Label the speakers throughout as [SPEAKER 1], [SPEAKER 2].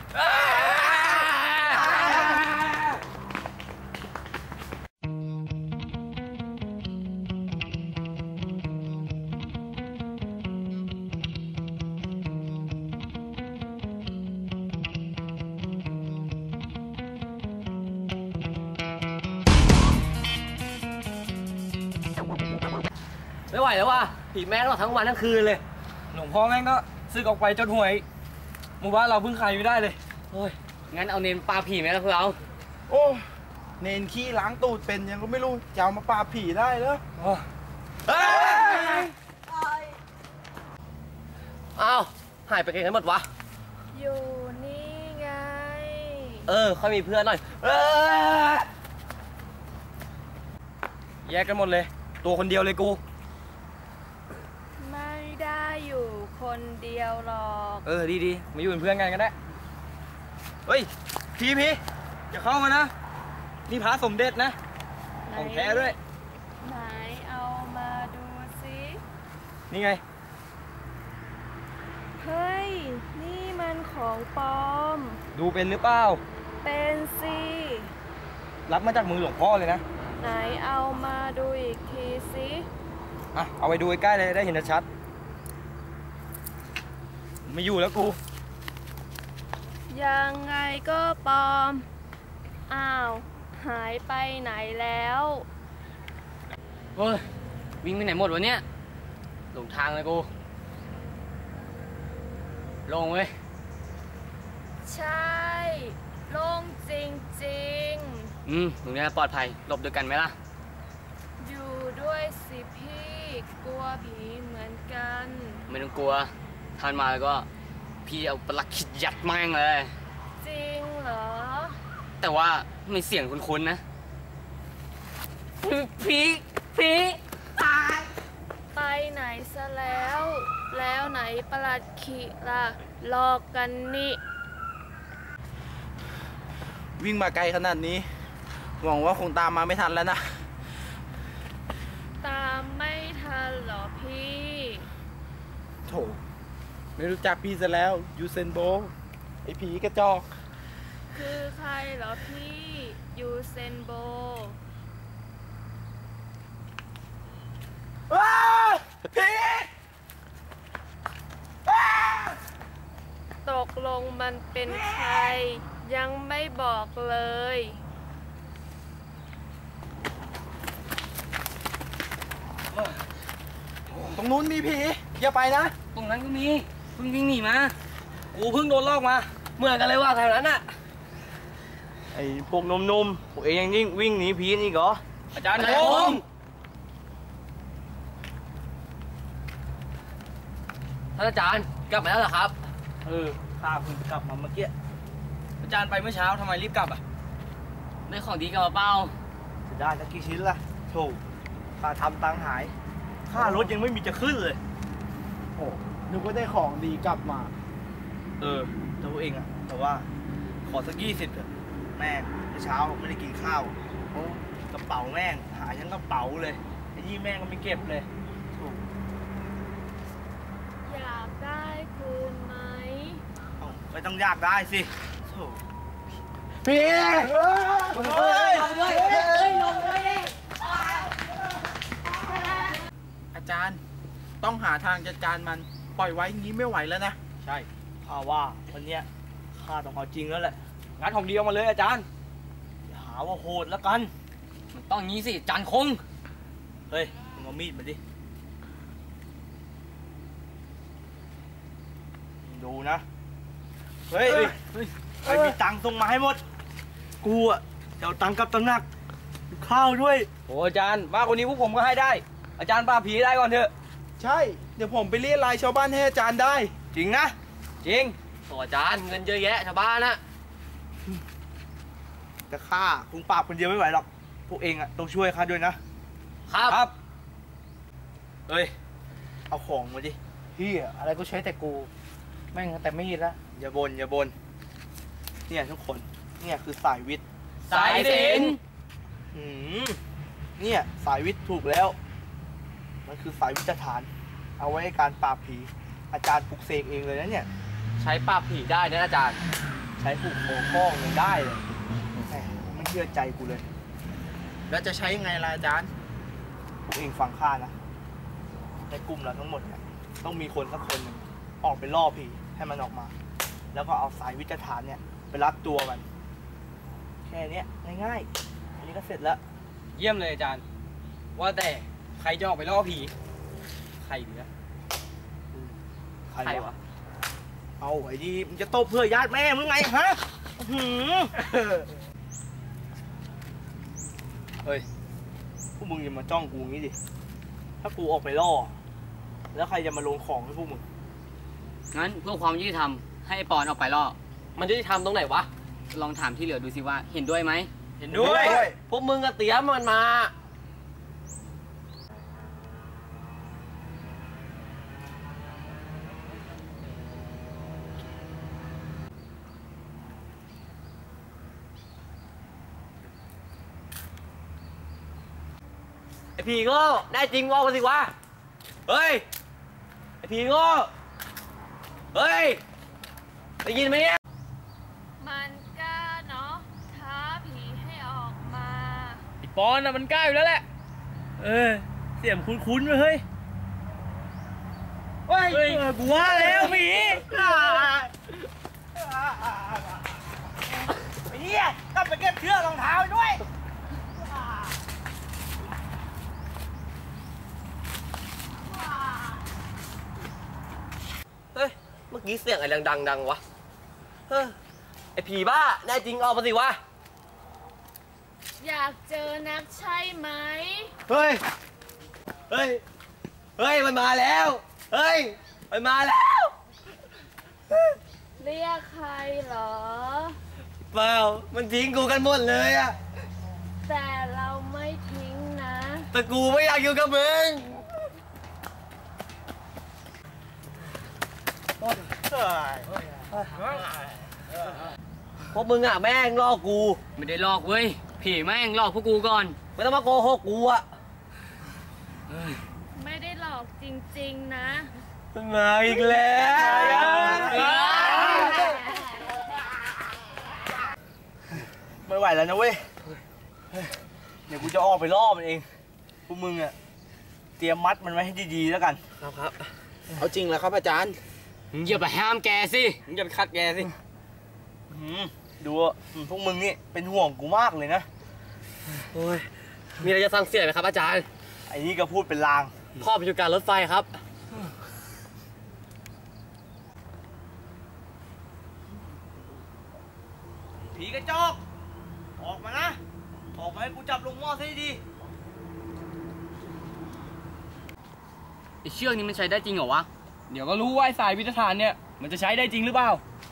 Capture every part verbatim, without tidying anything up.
[SPEAKER 1] ไม่ไหวแล้วว่ะผีแม่งตลอดทั้งวันทั้งคืนเลยหลวงพ่อแม่งก็ซึกออกไปจนหวยหมู่บ้านเราเพิ่งขายอยู่ได้เลยโอ้ยงั้นเอาเนนปลาผีไหมล่ะพวกเรา
[SPEAKER 2] โอ้เนนขี้ล้างตูดเป็นยังก็ไม่รู้จะเอามาปลาผีได้เหรอ
[SPEAKER 1] อ้าวหายไปกันหมดวะ
[SPEAKER 3] อยู่นี่ไง
[SPEAKER 1] เออค่อยมีเพื่อนหน่อยแยกกันหมดเลยตัวคนเดียวเลยกู
[SPEAKER 3] ไม่ได้อยู่คนเดียวหรอก
[SPEAKER 1] เออดีดีมาอยู่เป็นเพื่อนกันกันได้เฮ้ยพี่พี่อย่าเข้ามานะนี่พระสมเด็จนะของแท้ด้วย
[SPEAKER 3] ไหนเอามาดูสิ
[SPEAKER 1] นี่ไง
[SPEAKER 3] เฮ้ยนี่มันของปลอม
[SPEAKER 1] ดูเป็นหรือเปล่า
[SPEAKER 3] เป็นสิ
[SPEAKER 1] รับมาจากมือหลวงพ่อเลยนะ
[SPEAKER 3] ไหนเอามาดูอีกทีสิ
[SPEAKER 1] อ่ะเอาไปดูใกล้ๆเลยได้เห็นชัดไม่อยู่แล้วกู
[SPEAKER 3] ยังไงก็ปลอมอ้าวหายไปไหนแล้ว
[SPEAKER 1] เฮ้ยวิ่งไปไหนหมดวะเนี่ยหลงทางเลยกูลงเว้ย
[SPEAKER 3] ใช่ลงจริงๆ
[SPEAKER 1] อืมตรงนี้ปลอดภัยหลบด้วยกันไหมล่ะ
[SPEAKER 3] อยู่ด้วยสิพี่กลัวผีเหมือนกัน
[SPEAKER 1] ไม่ต้องกลัวท่านมาแล้วก็พี่เอาปลักขิดยัดแม่งเลย
[SPEAKER 3] จริงเหรอ
[SPEAKER 1] แต่ว่าไม่เสียงคุ้นๆนะผีผีตาย
[SPEAKER 3] ไปไหนซะแล้วแล้วไหนปลัดขิล่ะหลอกกันนี่
[SPEAKER 2] วิ่งมาไกลขนาดนี้หวังว่าคงตามมาไม่ทันแล้วนะ
[SPEAKER 3] ตามไม่ทันหรอพี่
[SPEAKER 2] โถไม่รู้จักพี่ซะแล้วยูเซนโบไอผีกระจอก
[SPEAKER 3] คือใครเหรอพี่ยูเซนโบ
[SPEAKER 2] ว้าผี
[SPEAKER 3] ตกลงมันเป็นใครยังไม่บอกเลย
[SPEAKER 2] ตรงนู้นมีผีอย่าไปนะ
[SPEAKER 1] ตรงนั้นก็มีเพิ่งวิ่งหนีมากูเพิ่งโดนลอกมาเหมือนกันเลยว่าแถวนั้นน่ะไอ้พวกนมนมพวกเองยังยิ่งวิ่งหนีผีนี่เหรออาจารย์คงท่านอาจารย์กลับมาแล้วเหรอครับ
[SPEAKER 2] เออข้าเพิ่งกลับมาเมื่อกี้อาจารย์ไปเมื่อเช้าทำไมรีบกลับอ่ะ
[SPEAKER 1] ได้ของดีกลับมาเปล่า
[SPEAKER 2] จะได้สักกี่ชิ้นล่ะโถข้าทำตังหายค่ารถยังไม่มีจะขึ้นเลยโอ้นึกว่าได้ของดีกลับมาเออตัวเองอะแต่ว่าขอสักยี่สิบเถอะแม่เมื่อเช้าไม่ได้กินข้าวโอ้กระเป๋าแม่งหายทั้งกระเป๋าเลยไอ้ยี่แม่งก็ไม่เก็บเลย
[SPEAKER 3] อยากได้คืนไหม
[SPEAKER 2] ไม่ต้องอยากได้สิพี่เฮ้ยลงด้วยลงด้วยอาจารย์ต้องหาทางจัดการมันปล่อยไว้งี้ไม่ไหวแล้วนะใช่ข้าว่าวันเนี้ยข้าต้องเอาจริงแล้วแหละ
[SPEAKER 1] งั้นของเดียวมาเลยอาจารย์
[SPEAKER 2] อย่าหาว่าโหดแล้วกัน
[SPEAKER 1] มันต้องงี้สิจานคง
[SPEAKER 2] เฮ้ยมึงเอามีดมาดิดูนะเฮ้ยใครมีตังค์ส่งมาให้หมดกูอะจะเอาตังค์กับตำหนักข้าวด้วย
[SPEAKER 1] โอ้อาจารย์มากกว่านี้พวกผมก็ให้ได้อาจารย์ปราบผีได้ก่อนเถอะ
[SPEAKER 2] ใช่เดี๋ยวผมไปเรียกรายชาวบ้านให้อาจารย์ได้
[SPEAKER 1] จริงนะจริงโอ้อาจารย์เงินเยอะแยะชาวบ้านนะ
[SPEAKER 2] แต่ข้าคงปราบคนเดียวไม่ไหวหรอกพวกเองอะต้องช่วยข้าด้วยนะครับครับเฮ้ยเอาของมาดิเฮียอะไรก็ใช้แต่กูแม่งแต่ไม่ยินละอย่าบนอย่าบนเนี่ยทุกคนเนี่ยคือสายวิทย์
[SPEAKER 1] สายศิลป์
[SPEAKER 2] อืมเนี่ยสายวิทย์ถูกแล้วมันคือสายวิทยาฐานเอาไว้ในการปราบผีอาจารย์ปลุกเสกเองเลยนะเนี่ย
[SPEAKER 1] ใช้ปราบผีได้นะอาจารย์
[SPEAKER 2] ใช้ผูกคอข้องยังได้เลยแหมไม่เชื่อใจกูเลย
[SPEAKER 4] แล้วจะใช้ยังไงล่ะอาจารย์
[SPEAKER 2] พวกเองฟังข้านะในกลุ่มเราทั้งหมดเนี่ยต้องมีคนสักคนหนึ่งออกไปล่อผีให้มันออกมา แล้วก็เอาสายวิจฐานเนี่ยไปรัดตัวมัน แค่เนี้ยง่ายๆอันนี้ก็เสร็จแล้ว
[SPEAKER 1] เยี่ยมเลยอาจารย์ ว่าแต่ใครจะออกไปล่อผี ใครดีนะ
[SPEAKER 2] ใครวะ เอาไอ้ดีมึงจะโตเพื่อญาติแม่มึงไงฮะหือเฮ้ยพวกมึงอย่ามาจ้องกูงี้ดิ ถ้ากูออกไปล่อ แล้วใครจะมาลงของให้พวกมึง
[SPEAKER 5] งั้นเพื่อความยุติธรรมให้ไอ้ปอนออกไปล่อ
[SPEAKER 1] มันจะทำตรงไหนวะ
[SPEAKER 5] ลองถามที่เหลือดูสิว่าเห็นด้วยไหม
[SPEAKER 1] เห็นด้วย
[SPEAKER 2] เห็นด้วย
[SPEAKER 1] พวกมึงก็เตรียมมันมา ไอพีโง่ได้จริงว่ามาสิวะ เฮ้ย ไอพีโง่เฮ้ย ได้ยินไหมเนี่ย
[SPEAKER 3] มันกล้าเนาะท้าผีให้ออกมา
[SPEAKER 1] ไอปอนน่ะมันกล้าอยู่แล้วแหละ เออ เสียงคุ้นๆเว้ยเฮ้ย เฮ้ยเออกูว่าแล้วผี
[SPEAKER 2] ไอ้เหี้ยต้องไปเก็บเชือกรองเท้าด้วย
[SPEAKER 1] เฮ้ย เมื่อกี้เสียงอะไรดังๆดังวะ เฮ้ย ไอผีบ้าแน่จริงออกมาสิวะ
[SPEAKER 3] อยากเจอนักใช่ไหม
[SPEAKER 1] เฮ้ย เฮ้ย เฮ้ย มันมาแล้ว เฮ้ย มันมาแล้ว
[SPEAKER 3] เรียกใครเหรอ
[SPEAKER 1] เปล่า มันทิ้งกูกันหมดเลยอะ
[SPEAKER 3] แต่เราไม่ทิ้งนะ
[SPEAKER 1] แต่กูไม่อยากอยู่กับมึง พวกมึงอะแม่งล่อกู
[SPEAKER 5] ไม่ได้หลอกเว้ย ผีแม่งหลอกพวกกูก่อน
[SPEAKER 1] ไม่ต้องมาโกหกกูอะ
[SPEAKER 3] ไม่ได้หลอกจริงๆนะ
[SPEAKER 1] มันมาอีกแล้ว
[SPEAKER 2] ไม่ไหวแล้วนะเว้ย เดี๋ยวกูจะออกไปล่อมันเอง พวกมึงอะเตรียมมัดมันไว้ให้ดีๆแล้วกัน
[SPEAKER 1] ครับครับ
[SPEAKER 4] เอาจริงแล้วครับอาจารย์
[SPEAKER 5] มึงอย่าไปห้ามแกสิ
[SPEAKER 1] มึงอย่าไปคัดแกสิ
[SPEAKER 2] อืมดูอะอืมพวกมึงนี่เป็นห่วงกูมากเลยนะ
[SPEAKER 1] โอ้ย มีอะไรจะสั่งเสียไหมครับอาจารย์
[SPEAKER 2] ไอ้นี่ก็พูดเป็นลาง
[SPEAKER 1] พ่อเป็นอยู่การรถไฟครับ
[SPEAKER 2] ผีกระจอก ออกมานะ ออกมาให้กูจับลงหม้อซะดี
[SPEAKER 5] ไอเชือกนี้มันใช้ได้จริงเหรอวะ
[SPEAKER 1] เดี๋ยวก็รู้ว่าไอ้สายวิทยาฐานเนี่ย มันจะใช้ได้จริงหรือเปล่า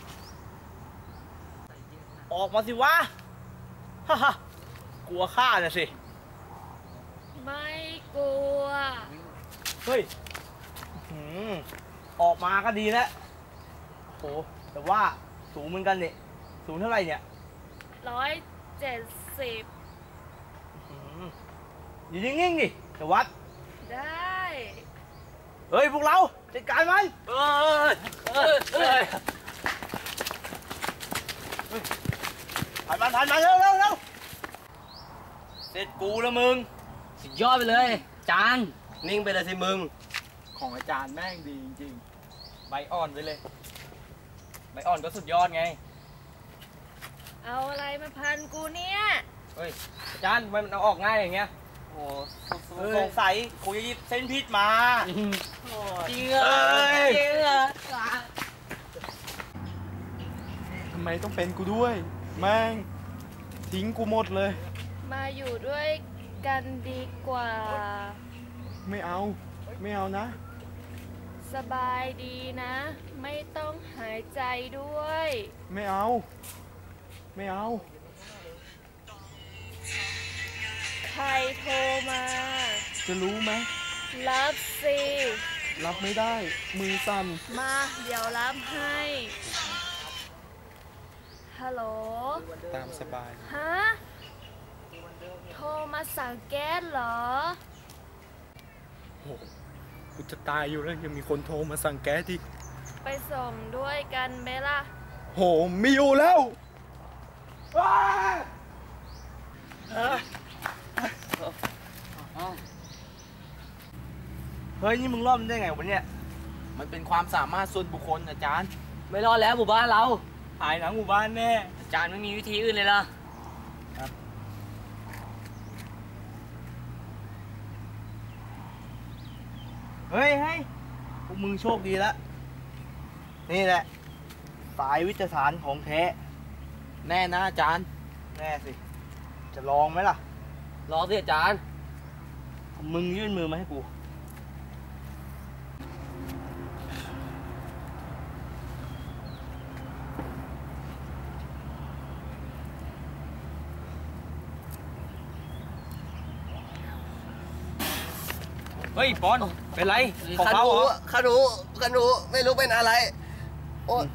[SPEAKER 2] ๆออกมาสิวะ ฮ่าฮ่ากลัวข้าน่ะสิ
[SPEAKER 3] ไม่กลัว
[SPEAKER 2] เฮ้ยหืมออกมาก็ดีแล้วโหแต่ว่าสูงเหมือนกันเนี่ยสูงเท่าไหร่เนี่ย
[SPEAKER 3] ร้อยเจ็ดสิบ
[SPEAKER 2] หืมอยู่นิ่งๆดิแต่วัด
[SPEAKER 3] ได้
[SPEAKER 2] เฮ้ย พวกเราจัดการมัน
[SPEAKER 1] เออเออเออ
[SPEAKER 2] ผ่านมันผ่านมันเร็วเร็วเร็วเสร็จกูแล้วมึง
[SPEAKER 5] สุดยอดไปเลย จาน
[SPEAKER 1] นิ่งไปเลยสิมึง
[SPEAKER 4] ของอาจารย์แม่งดีจริง
[SPEAKER 1] ใบอ่อนไปเลย ใบอ่อนก็สุดยอดไง
[SPEAKER 3] เอาอะไรมาพันกูเนี่ย
[SPEAKER 1] เฮ้ย อาจารย์ทำไมมันเอาออกง่ายอย่างเงี้ย
[SPEAKER 2] โอ้สงสัยกูจะหยิบเส้นพิษมา
[SPEAKER 1] จริงเหรอ
[SPEAKER 2] เอ้ย
[SPEAKER 1] จริงเหรอ
[SPEAKER 4] ทำไมต้องเป็นกูด้วย แม่ง ทิ้งกูหมดเลย
[SPEAKER 3] มาอยู่ด้วยกันดีกว่า
[SPEAKER 4] ไม่เอา ไม่เอานะ
[SPEAKER 3] สบายดีนะ ไม่ต้องหายใจด้วย
[SPEAKER 4] ไม่เอา ไม่เอา
[SPEAKER 3] ใครโทรมา
[SPEAKER 4] จะรู้ไหม
[SPEAKER 3] รับสิ
[SPEAKER 4] รับไม่ได้ มือสั่น
[SPEAKER 3] มาเดี๋ยวรับให้ ฮัลโหล
[SPEAKER 4] ตามสบาย
[SPEAKER 3] ฮะ โทรมาสั่งแก๊สเหรอ
[SPEAKER 4] กูจะตายอยู่แล้วยังมีคนโทรมาสั่งแก๊สอีก
[SPEAKER 3] ไปส่งด้วยกันไหมล่ะ
[SPEAKER 4] โโหไม่อยู่แล้ว
[SPEAKER 2] เฮ้ยนี่มึงรอดมันได้ไงวะเนี่ย
[SPEAKER 4] มันเป็นความสามารถส่วนบุคคลอาจารย์
[SPEAKER 1] ไม่รอดแล้วหมู่บ้านเรา
[SPEAKER 2] หายหนังหมู่บ้านแน่
[SPEAKER 5] อาจารย์ไม่มีวิธีอื่นเลยเหรอ
[SPEAKER 2] เฮ้ยเฮ้ยพวกมึงโชคดีแล้วนี่แหละสายวิทยาศาสตร์ของแท้
[SPEAKER 4] แน่นะอาจารย์
[SPEAKER 2] แน่สิ จะลองไหมล่ะ
[SPEAKER 1] รอสิอาจารย์
[SPEAKER 2] มึงยื่นมือมาให้กู
[SPEAKER 1] เฮ้ยปอนเป็นไรของ
[SPEAKER 6] ขัน
[SPEAKER 1] เขา
[SPEAKER 6] หู
[SPEAKER 1] เหรอ
[SPEAKER 6] ขันหูขันหูไม่รู้เป็นอะไร โอ้ย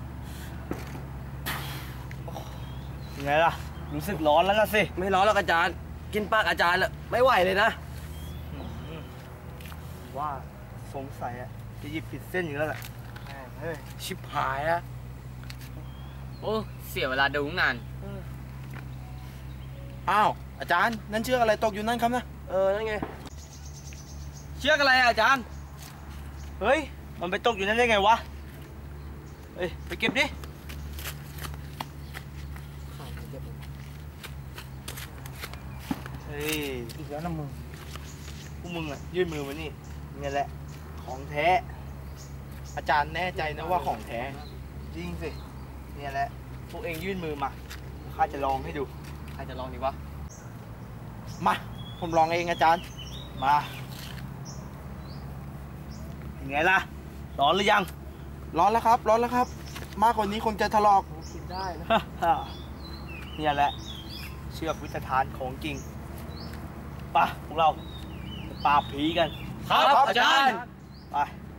[SPEAKER 2] ยังไงล่ะ รู้สึกร้อนแล้วนะสิ
[SPEAKER 6] ไม่ร้อนหรอกอาจารย์ กินปากอาจารย์แล้วไม่ไหวเลยนะ
[SPEAKER 2] ว่าสงสัยอะจะหยิบผิดเส้นอยู่แล้วแหละแม่งเฮ้ย
[SPEAKER 6] ชิบหายแล้ว
[SPEAKER 5] โอ้เสียเวลาดูตั้งนาน
[SPEAKER 4] อ้าวอาจารย์นั่นเชือกอะไรตกอยู่นั่นครับนะ
[SPEAKER 6] เออ นั่นไง
[SPEAKER 1] เชือกอะไรอะอาจารย์
[SPEAKER 2] เฮ้ย มันไปตกอยู่นั่นได้ไงวะ เฮ้ย ไปเก็บดิ เฮ้ย อีกแล้วนะมึง พวกมึงอะยื่นมือมานี่นี่แหละ ของแท้
[SPEAKER 4] อาจารย์แน่ใจนะว่าของแท้
[SPEAKER 2] จริงสิเนี่ยแหละ พวกเองยื่นมือมา ข้าจะลองให้ดู
[SPEAKER 1] ใครจะลองดีวะ
[SPEAKER 4] มา ผมลองเองอาจารย์
[SPEAKER 2] มาเป็นไงล่ะ ร้อนหรือยัง
[SPEAKER 4] ร้อนแล้วครับ ร้อนแล้วครับ มากกว่านี้คงจะถลอก
[SPEAKER 6] กินได้นะ
[SPEAKER 2] เนี่ยแหละ เชือกวิทยาทานของจริงไปะพวกเราไปปราบผีกัน
[SPEAKER 1] ครับอาจารย์
[SPEAKER 2] ไป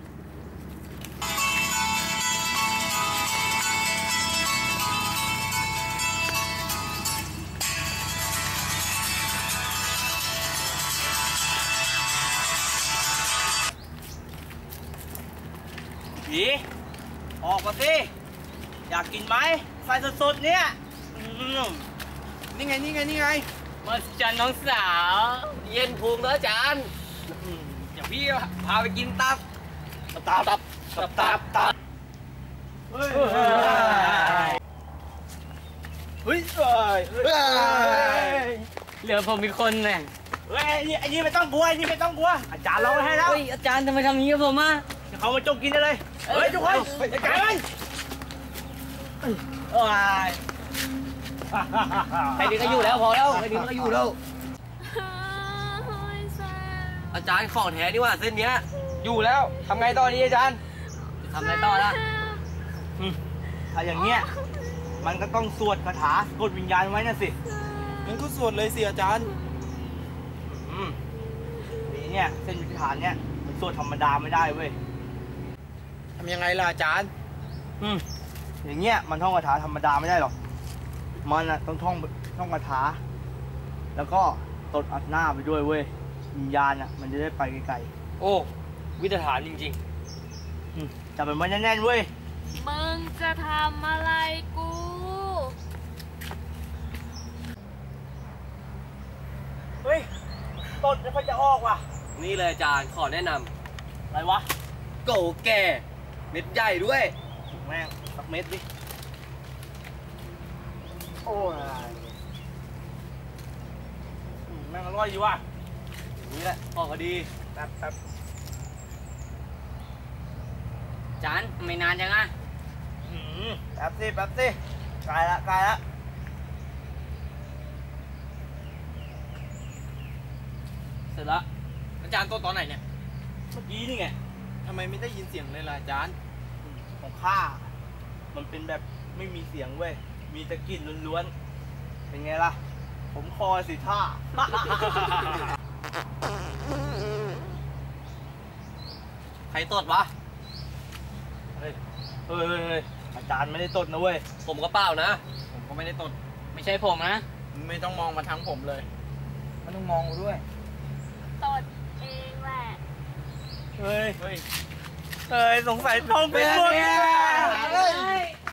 [SPEAKER 2] ผีออกมาสิ อยากกินไหมไฟสดๆเนี่ยอืม
[SPEAKER 4] นี่ไง นี่ไง นี่ไง
[SPEAKER 5] มาจันน้องสาว
[SPEAKER 6] เย็นพุงแล้วอาจารย์
[SPEAKER 2] อืม
[SPEAKER 1] เดี๋ยวพี่พาไปกินตับ
[SPEAKER 2] ตับตับตับตับตับเฮ้ยเฮ้ยเฮ้ยเฮ้ย
[SPEAKER 5] เหลือผมอีกคนเนี่ย
[SPEAKER 2] เฮ้ยไอ้นี่ไอ้นี่ไม่ต้องกลัวไอ้นี่ไม่ต้องกลัวอาจารย์ร้องไว้ให้แล้ว
[SPEAKER 5] เฮ้ยอาจารย์ทำไมทำอย่างนี้กับผมอ่ะ
[SPEAKER 2] เดี๋ยวเขามาจงกินได้เลยเฮ้ยทุกคนจัดการมันโอ้ย
[SPEAKER 6] ใครดีก็อยู่แล้วพอแล้วใครดีก็อยู่แล้ว
[SPEAKER 3] โอ้ยแซ่บ
[SPEAKER 6] อาจารย์ของแท้ดีกว่าเส้นเนี้ย
[SPEAKER 1] อยู่แล้วทำไงต่อดีอาจารย์
[SPEAKER 5] จะทำอะไรต่อล่ะ
[SPEAKER 2] ถ้าอย่างเงี้ยมันก็ต้องสวดคาถาสะกดวิญญาณไว้น่ะสิ
[SPEAKER 4] งั้นก็สวดเลยสิอาจารย์
[SPEAKER 2] อืมนี่เนี่ยเส้นวิธีฐานเนี่ยมันสวดธรรมดาไม่ได้เว้ย
[SPEAKER 4] ทำยังไงล่ะอาจารย์
[SPEAKER 2] อืมอย่างเงี้ยมันท่องคาถาธรรมดาไม่ได้หรอก มันอะต้องท่องท่องคาถา แล้วก็ตดอัดหน้าไปด้วยเว้ย วิญญาณอะมันจะได้ไปไกล
[SPEAKER 1] โอ้วิทยาฐานจริง
[SPEAKER 2] ๆอืมจับมันไว้แน่นๆเว้ย
[SPEAKER 3] มึงจะทำอะไรกู
[SPEAKER 2] เฮ้ยตดไม่ค่อยจะออกว่ะ
[SPEAKER 6] นี่เลยอาจารย์ขอแนะน
[SPEAKER 2] อะไรวะ
[SPEAKER 6] ำโกแก่ เม็ดใหญ่ด้วย
[SPEAKER 2] แม่งสักเม็ดดิ โอ้ยอืมแม่งอร่อยดีว่ะ
[SPEAKER 6] อย่างนี้แหละพอพอดี
[SPEAKER 2] แป๊บแป๊บ
[SPEAKER 5] อาจารย์ทำไมนานจังอ่ะ
[SPEAKER 2] อืมแป๊บสิแป๊บสิใกล้ละใกล้ละ
[SPEAKER 1] ๆ เสร็จแล้วอาจารย์ตัวตอนไหนเนี่ย
[SPEAKER 2] เมื่อกี้นี่ไง
[SPEAKER 4] ทำไมไม่ได้ยินเสียงเลยล่ะอาจารย์
[SPEAKER 2] ของข้า มันเป็นแบบไม่มีเสียงเว้ย มีแต่กลิ่นล้วนๆ เป็นไงล่ะ ผมคอสิท่า
[SPEAKER 6] ใครตดวะ
[SPEAKER 2] เฮ้ยเฮ้ยเฮ้ยเฮ้ยอาจารย์ไม่ได้ตดนะเว้ย
[SPEAKER 6] ผมก็เปล่านะ
[SPEAKER 1] ผมก็ไม่ได้ตด ไม่ใช่ผมนะ
[SPEAKER 4] ไม่ต้องมองมาทางผมเลย
[SPEAKER 2] ไม่ต้องมองกูด้วย
[SPEAKER 3] ตดเองแหละ
[SPEAKER 2] เฮ้ย เฮ้ย เฮ้ย สงสัยท้องเป็นพวกนี้